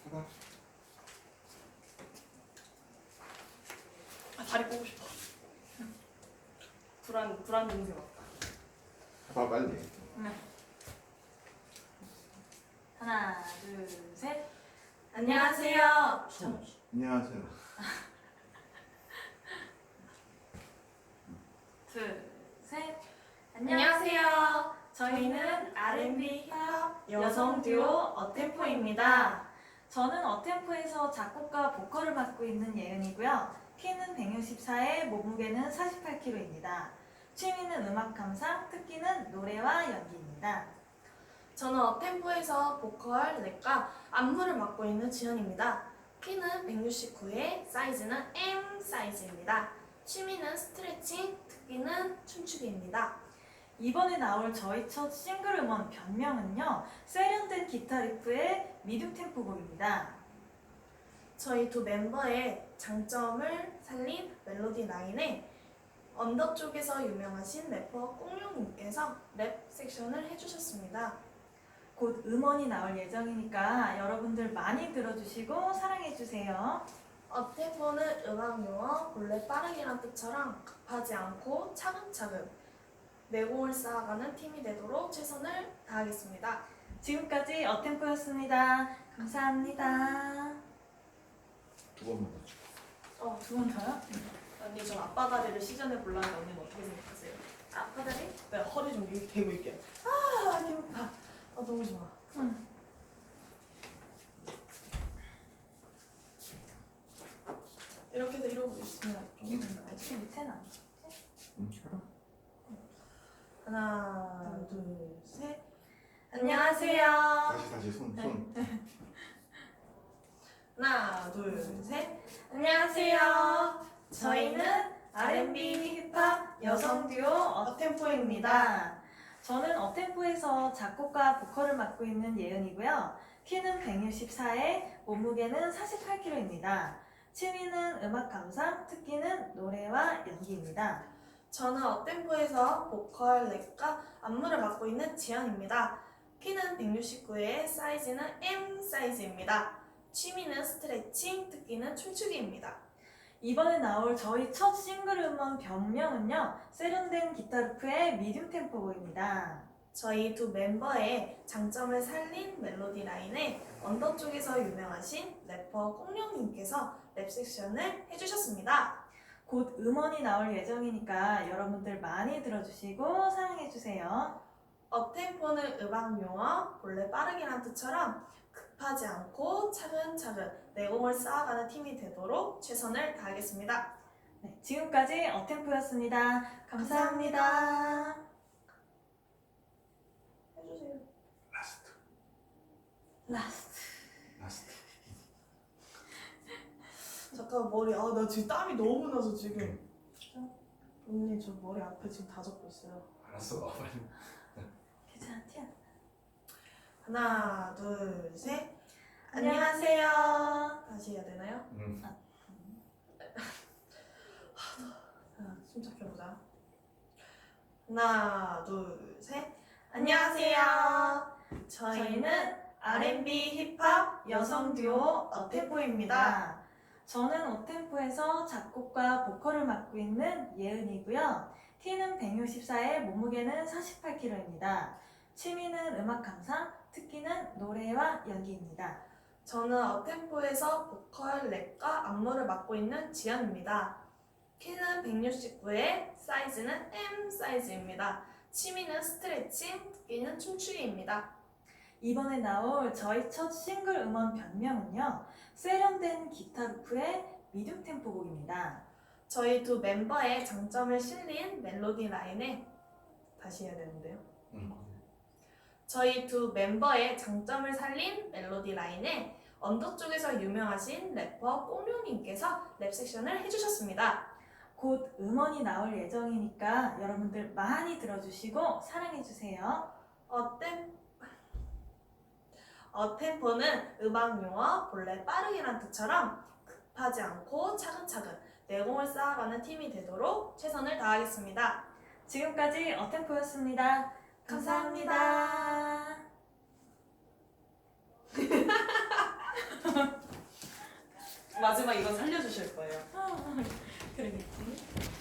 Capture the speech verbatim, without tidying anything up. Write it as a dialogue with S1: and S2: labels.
S1: 하나.
S2: 아, 다리 꼬고 싶어. 불안 불안 증세 같다.
S1: 해봐 빨리.
S3: 네. 하나, 둘, 셋.
S2: 안녕하세요.
S1: 손. 안녕하세요.
S3: 둘, 셋.
S2: 안녕하세요.
S3: 저희는 알앤비 힙합
S2: 여성 듀오 어템포입니다.
S3: 저는 어템포에서 작곡과 보컬을 맡고 있는 예은이고요. 키는 백육십사에 몸무게는 사십팔 킬로그램입니다. 취미는 음악 감상, 특기는 노래와 연기입니다.
S2: 저는 업템포에서 보컬, 랩과 안무를 맡고 있는 지연입니다. 키는 백육십구에 사이즈는 M 사이즈입니다. 취미는 스트레칭, 특기는 춤추기입니다.
S3: 이번에 나올 저희 첫 싱글 음원 변명은요. 세련된 기타 리프의 미디움 템포 곡입니다.
S2: 저희 두 멤버의 장점을 살린 멜로디 라인에 언더 쪽에서 유명하신 래퍼 꽁룡님께서 랩 섹션을 해주셨습니다.
S3: 곧 음원이 나올 예정이니까 여러분들 많이 들어주시고 사랑해주세요.
S2: 업템포는 음악 용어 본래 빠르기란 뜻처럼 급하지 않고 차근차근 내공을 쌓아가는 팀이 되도록 최선을 다하겠습니다.
S3: 지금까지 어템포였습니다. 감사합니다.
S1: 두 번만 더.
S2: 어,
S3: 두 번 더요?
S2: 언니 저 아빠 다리를 시전해 볼라는데 언니는 어떻게 생각하세요?
S3: 아빠 다리?
S2: 네, 허리 좀 이렇게 대고 있게. 아, 배고파. 아, 너무 좋아.
S3: 응.
S2: 이렇게 해서 이러고 있으면 좀
S3: 혹시 밑에는 안 돼?
S1: 응, 해봐.
S2: 하나, 둘, 셋. 안녕하세요.
S1: 다시 다시 손 손.
S2: 하나, 둘, 셋. 안녕하세요. 저희는 알앤비 힙합 여성 듀오 업템포입니다.
S3: 저는 업템포에서 작곡과 보컬을 맡고 있는 예은이고요. 키는 백육십사에 몸무게는 사십팔 킬로그램입니다. 취미는 음악 감상, 특기는 노래와 연기입니다.
S2: 저는 업템포에서 보컬, 랩과 안무를 맡고 있는 지연입니다. 키는 백육십구에 사이즈는 M 사이즈입니다. 취미는 스트레칭, 특기는 춤추기입니다.
S3: 이번에 나올 저희 첫 싱글 음원 변명은요. 세련된 기타 리프의 미디움 템포 곡입니다.
S2: 저희 두 멤버의 장점을 살린 멜로디 라인에 언더 쪽에서 유명하신 래퍼 꽁룡님께서 랩 섹션을 해주셨습니다.
S3: 곧 음원이 나올 예정이니까 여러분들 많이 들어주시고 사랑해주세요.
S2: 업템포는 음악 용어, 본래 빠르기란 뜻처럼 급하지 않고 차근차근 내공을 쌓아가는 팀이 되도록 최선을 다하겠습니다.
S3: 네, 지금까지 어템포였습니다. 감사합니다.
S2: 해주세요.
S1: 라스트.
S3: 라스트.
S1: 라스트.
S2: 잠깐 머리, 아 나 지금 땀이 너무 나서 지금. 언니 저 머리 앞에 지금 다 적고 있어요.
S1: 알았어. 빨리.
S3: 괜찮아, 티야.
S2: 하나, 둘, 셋.
S3: 안녕하세요.
S2: 안녕하세요. 다시 해야 되나요?
S1: 응.
S2: 자, 숨 잡혀보자. 하나, 둘, 셋. 안녕하세요. 저희는 알앤비 힙합 여성 듀오 어템포입니다.
S3: 저는 어템포에서 작곡과 보컬을 맡고 있는 예은이고요. 키는 백육십사에 몸무게는 사십팔 킬로그램입니다. 취미는 음악 감상, 특기는 노래와 연기입니다.
S2: 저는 업템포에서 보컬, 랩과 안무를 맡고 있는 지연입니다. 키는 백육십구에 사이즈는 M 사이즈입니다. 취미는 스트레칭, 특기는 춤추기입니다.
S3: 이번에 나올 저희 첫 싱글 음원 변명은요. 세련된 기타 리프의 미디움 템포 곡입니다.
S2: 저희 두 멤버의 장점을 실린 멜로디 라인에 다시 해야 되는데요.
S1: 응.
S2: 저희 두 멤버의 장점을 살린 멜로디 라인에 언더 쪽에서 유명하신 래퍼 꽁룡님께서 랩 섹션을 해주셨습니다.
S3: 곧 음원이 나올 예정이니까 여러분들 많이 들어주시고 사랑해주세요.
S2: 어템 어템포는 음악 용어, 본래 빠르기란 뜻처럼 급하지 않고 차근차근 내공을 쌓아가는 팀이 되도록 최선을 다하겠습니다.
S3: 지금까지 어템포였습니다. 감사합니다.
S2: 마지막 이건 살려주실 거예요. 그러겠지.